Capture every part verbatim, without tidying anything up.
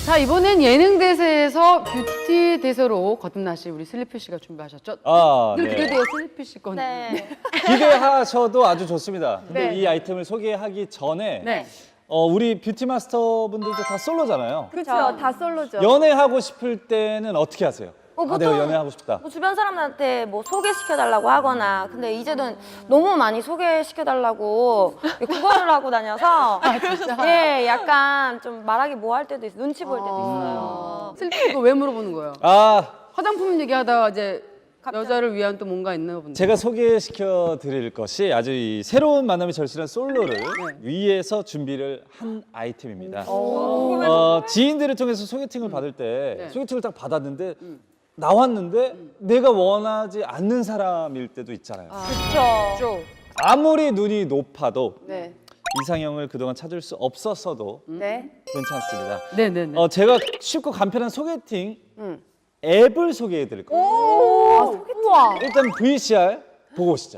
자, 이번엔 예능 대세에서 뷰티 대세로 거듭나실 우리 슬리피 씨가 준비하셨죠? 아, 늘 네. 기대돼요, 슬리피 씨 건. 네. 기대하셔도 아주 좋습니다. 근데 네. 이 아이템을 소개하기 전에 네. 어, 우리 뷰티 마스터 분들도 다 솔로잖아요. 그렇죠. 다 솔로죠. 연애하고 싶을 때는 어떻게 하세요? 어, 아, 보통 내가 연애하고 싶다. 뭐 주변 사람들한테 뭐 소개시켜달라고 하거나, 근데 이제는 너무 많이 소개시켜달라고 구걸을 하고 다녀서 예, 약간 좀 말하기 뭐 할 때도 있어, 눈치 보일 때도 있어요. 슬리피 이거 왜 물어보는 거예요? 아, 화장품 얘기하다가 이제 여자를 위한 또 뭔가 있나 본데. 제가 소개시켜 드릴 것이 아주 이 새로운 만남이 절실한 솔로를 위해서 준비를 한 아이템입니다. 어, 지인들을 통해서 소개팅을 받을 때 네. 소개팅을 딱 받았는데 나왔는데 내가 원하지 않는 사람일 때도 있잖아요. 그렇죠. 아무리 눈이 높아도 네. 이상형을 그동안 찾을 수 없었어도 네. 괜찮습니다. 네네네. 어, 제가 쉽고 간편한 소개팅 음. 앱을 소개해 드릴 거예요. 오, 우와. 일단 브이씨알 보고 오시죠.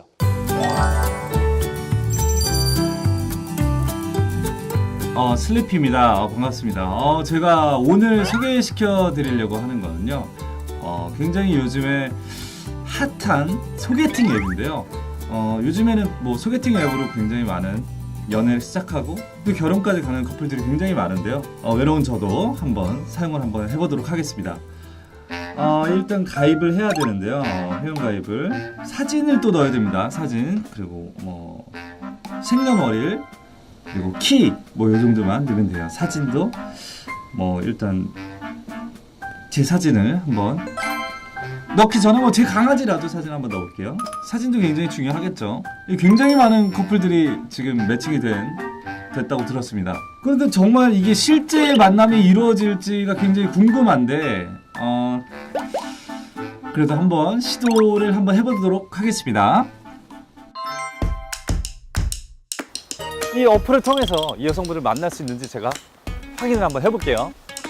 어, 슬리피입니다. 어, 반갑습니다. 어, 제가 오늘 소개시켜 드리려고 하는 거는요. 어, 굉장히 요즘에 핫한 소개팅 앱인데요. 어, 요즘에는 뭐 소개팅 앱으로 굉장히 많은 연애를 시작하고 또 결혼까지 가는 커플들이 굉장히 많은데요. 어, 외로운 저도 한번 사용을 한번 해보도록 하겠습니다. 어, 일단 가입을 해야 되는데요. 어, 회원 가입을 사진을 또 넣어야 됩니다. 사진 그리고 뭐 생년월일 그리고 키 뭐 요 정도만 넣으면 돼요. 사진도 뭐 일단 제 사진을 한번 넣기 전에 뭐 제 강아지라도 사진 한번 넣어볼게요. 사진도 굉장히 중요하겠죠. 굉장히 많은 커플들이 지금 매칭이 된 됐다고 들었습니다. 그런데 정말 이게 실제 만남이 이루어질지가 굉장히 궁금한데 어, 그래도 한번 시도를 한번 해보도록 하겠습니다. 이 어플을 통해서 이 여성분을 만날 수 있는지 제가 확인을 한번 해볼게요.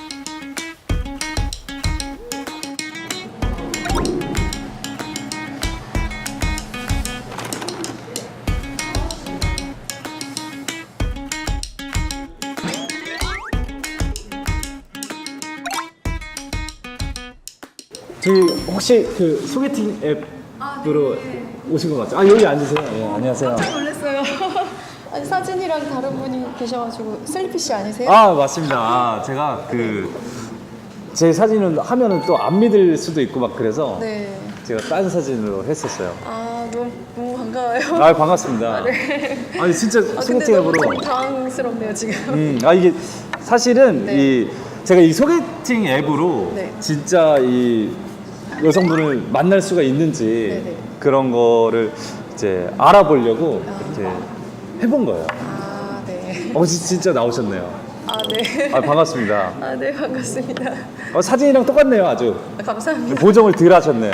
저희 혹시 그 소개팅 앱으로 오신 것 같죠? 아 여기 앉으세요. 네, 안녕하세요. 놀랐어요. 아니 사진이랑 다른 분이 계셔가지고 슬리피 씨 아니세요? 아 맞습니다. 아, 제가 그 제 사진을 하면은 또 안 믿을 수도 있고 막 그래서 네. 제가 딴 사진으로 했었어요. 아 너무 너무 반가워요. 아 반갑습니다. 네. 아니 진짜 아, 근데 소개팅 너무 앱으로. 좀 당황스럽네요 지금. 음, 아 이게 사실은 네. 이 제가 이 소개팅 앱으로 네. 진짜 이 여성분을 만날 수가 있는지 네네. 그런 거를 이제 알아보려고 이렇게 해본 거예요. 아 네. 어 지- 진짜 나오셨네요. 아 네. 아 반갑습니다. 아 네 반갑습니다. 어, 사진이랑 똑같네요 아주. 아, 감사합니다. 보정을 덜 하셨네.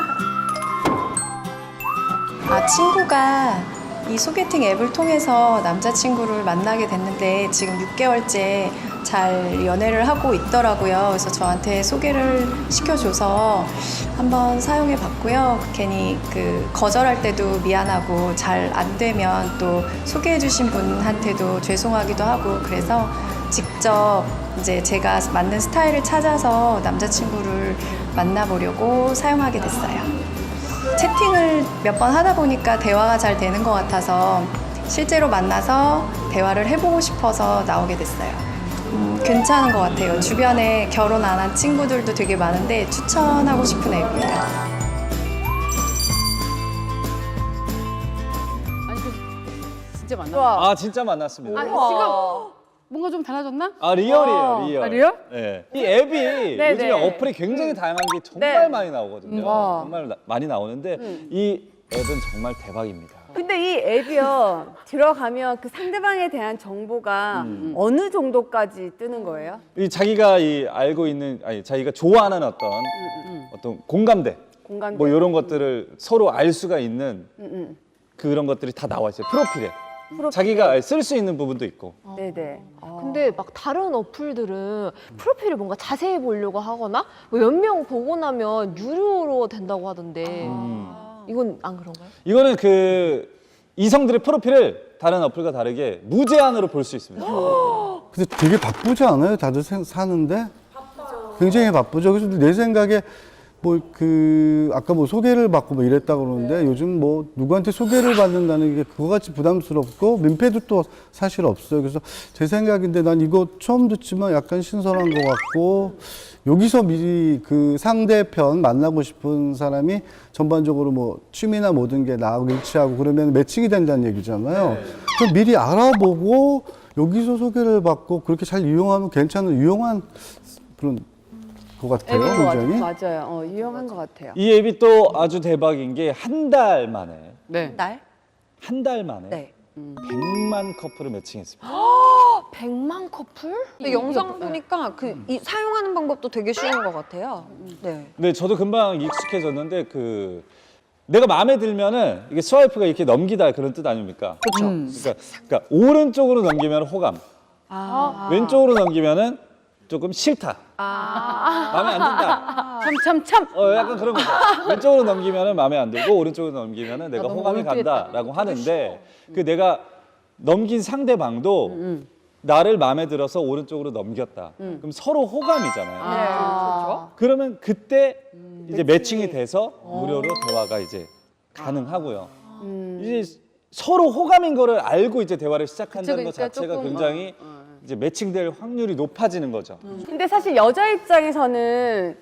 아 친구가 이 소개팅 앱을 통해서 남자친구를 만나게 됐는데 지금 육 개월째 잘 연애를 하고 있더라고요. 그래서 저한테 소개를 시켜줘서 한번 사용해 봤고요. 괜히 그 거절할 때도 미안하고 잘 안 되면 또 소개해 주신 분한테도 죄송하기도 하고 그래서 직접 이제 제가 맞는 스타일을 찾아서 남자친구를 만나보려고 사용하게 됐어요. 채팅을 몇 번 하다 보니까 대화가 잘 되는 것 같아서 실제로 만나서 대화를 해보고 싶어서 나오게 됐어요. 음, 괜찮은 것 같아요. 주변에 결혼 안 한 친구들도 되게 많은데 추천하고 싶은 앱이에요. 아니 그 진짜 만나. 아 진짜 만났습니다. 아니 우와. 지금 뭔가 좀 달라졌나? 아 리얼이에요 리얼. 아, 리얼? 네. 이 앱이 요즘에 어플이 굉장히 다양한 게 정말 네. 많이 나오거든요. 와. 정말 나- 많이 나오는데 이 앱은 정말 대박입니다. 근데 이 앱이요 들어가면 그 상대방에 대한 정보가 어느 정도까지 뜨는 거예요? 이 자기가 이 알고 있는 아니 자기가 좋아하는 어떤 어떤 공감대, 공감대? 뭐 이런 것들을 서로 알 수가 있는 음, 그런 것들이 다 나와 있어요. 프로필에. 자기가 쓸 수 있는 부분도 있고. 네네. 근데 막 다른 어플들은 프로필을 뭔가 자세히 보려고 하거나 뭐 몇 명 보고 나면 유료로 된다고 하던데 이건 안 그런가요? 이거는 그 이성들의 프로필을 다른 어플과 다르게 무제한으로 볼 수 있습니다. 근데 되게 바쁘지 않아요? 다들 생- 사는데? 바빠요. 굉장히 바쁘죠. 그래서 내 생각에 뭐 그 아까 뭐 소개를 받고 뭐 이랬다 그러는데 요즘 뭐 누구한테 소개를 받는다는 게 그거같이 부담스럽고 민폐도 또 사실 없어요. 그래서 제 생각인데 난 이거 처음 듣지만 약간 신선한 것 같고 여기서 미리 그 상대편 만나고 싶은 사람이 전반적으로 뭐 취미나 모든 게 나하고 일치하고 그러면 매칭이 된다는 얘기잖아요. 그럼 미리 알아보고 여기서 소개를 받고 그렇게 잘 이용하면 괜찮은 유용한 그런 것 같아요. 앱인 것 같아요. 굉장히. 맞아요. 어, 유용한 것 같아요. 이 앱이 또 아주 대박인 게 한 달 만에 네. 날? 한 달 만에 네. 백만 커플을 매칭했습니다. 백만 커플? 근데 영상 보니까 그 이, 사용하는 방법도 되게 쉬운 것 같아요. 네. 근데 저도 금방 익숙해졌는데 그 내가 마음에 들면은 이게 스와이프가 이렇게 넘기다 그런 뜻 아닙니까? 그렇죠. 그러니까, 그러니까 오른쪽으로 넘기면 호감, 왼쪽으로 넘기면은 조금 싫다. 마음에 안 든다. 참, 참, 참. 어, 약간 그런 거죠. 왼쪽으로 넘기면은 마음에 안 들고 오른쪽으로 넘기면은 내가 너무 호감이 몰두했다. 간다라고 하는데 그 내가 넘긴 상대방도 음. 나를 마음에 들어서 오른쪽으로 넘겼다. 그럼 서로 호감이잖아요. 네, 그렇죠. 그러면 그때 이제 매칭이 돼서 무료로 대화가 이제 가능하고요. 이제 서로 호감인 거를 알고 이제 대화를 시작한다는 것 그러니까 자체가 조금, 굉장히 이제 매칭될 확률이 높아지는 거죠. 근데 사실 여자 입장에서는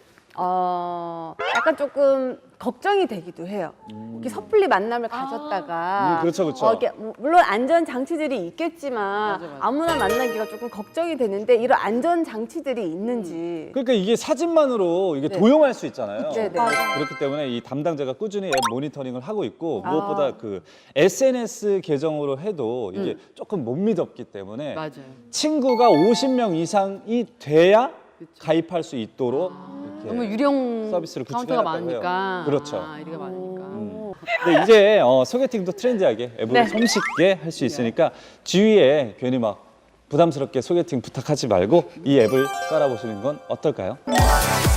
어, 약간 조금 걱정이 되기도 해요. 이렇게 섣불리 만남을 가졌다가 음, 그렇죠, 그렇죠. 어, 이렇게 뭐- 물론 안전 장치들이 있겠지만 맞아, 맞아. 아무나 만나기가 조금 걱정이 되는데 이런 안전 장치들이 있는지 그러니까 이게 사진만으로 이게 네. 도용할 수 있잖아요. 네, 네. 그렇기 때문에 이 담당자가 꾸준히 앱 모니터링을 하고 있고 무엇보다 그 에스엔에스 계정으로 해도 이게 조금 못 믿었기 때문에 맞아요. 친구가 오십 명 이상이 돼야 가입할 수 있도록 이렇게 너무 유령 서비스를 카운터가 구축해놨다고 해요. 많으니까. 그렇죠. 아, 이리가 많으니까. 근데 이제 어, 소개팅도 트렌디하게 앱으로 네. 손쉽게 할 수 있으니까 주위에 괜히 막 부담스럽게 소개팅 부탁하지 말고 이 앱을 깔아보시는 건 어떨까요?